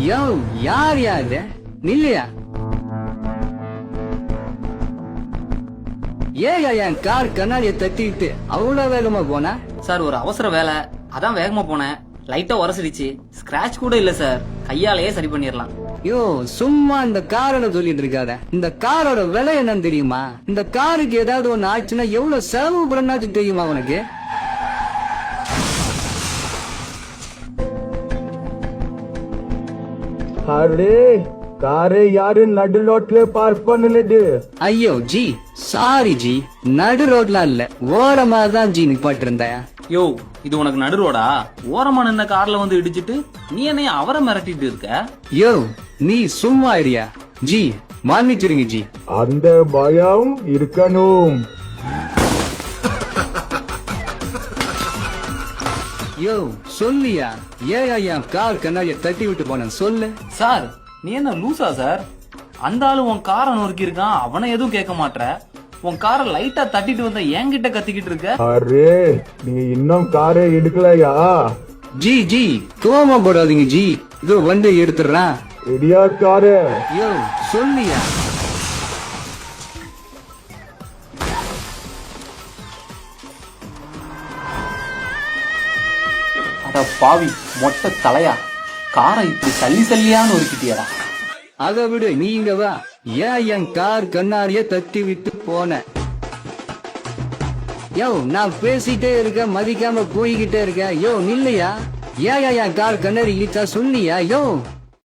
யோ யார் யாரு நில்லையா? ஏயா என் கார் கண்ணாடியை தட்டிட்டு அவ்வளவு வேகமா போனா? சார் ஒரு அவசர வேலை, அதான் வேகமா போனேன். லைட்டா உரசிடுச்சு. ஸ்கிராட்ச் கூட இல்ல சார், கையாலேயே சரி பண்ணிடலாம். யோ சும்மா இந்த காரோட சொல்லிட்டு இருக்காத. இந்த காரோட விலை என்னன்னு தெரியுமா? இந்த காருக்கு ஏதாவது ஒண்ணு ஆச்சுன்னா எவ்வளவு செலவு பண்ணாச்சு தெரியுமா உனக்கு? அரே காரை யாரு நடு ரோட்ல பார்க் பண்ணலது? ஐயோ ஜி சாரி ஜி, நடு ரோட்ல இல்ல ஓரமா தான் ஜி நிப்பாட்டு இருந்தேன். யோ இது உனக்கு நடு ரோடா? ஓரமா நின்ன கார்ல வந்து இடிச்சிட்டு நீ என்னைய அவரை மிரட்டிட்டு இருக்க? யோ நீ சும்மா இருயா ஜி, மன்னிச்சிருங்க ஜி. அந்த பயம் இருக்கணும். யோ சொல்லியா, ஏயா என் கார் கண்ணாடியை தட்டி விட்டு போன சொல்லு. சார் நீ என்ன லூசா சார்? அந்த ஆளு உன் காரை நொறுக்கி இருக்கான், அவனை எதுவும் கேட்க மாட்ற. உன் காரை லைட்டா தட்டிட்டு வந்த என்கிட்ட கத்திக்கிட்டு இருக்க. அரே நீ இன்னும் காரை எடுக்கலையா? ஜி ஜி கோவமா போடாதீங்க ஜி, இதோ வந்து எடுத்துடுறான். இடியா காரு. யோ சொல்லியா. அட பாவி மொட்டை தலையா, காரை இப்படி சல்லி சல்லியான்னு நொறுக்கிட்டியடா. அதை விடு, நீங்க வா. ஏன் என் கார் கண்ணாடிய தட்டி விட்டு போன? யோ நான் பேசிட்டே இருக்க, மதிக்காம போய்கிட்டே இருக்க. யோ நில்லையா, ஏன் என் கார் கண்ணாடி இழுத்தா சொல்லியா? யோ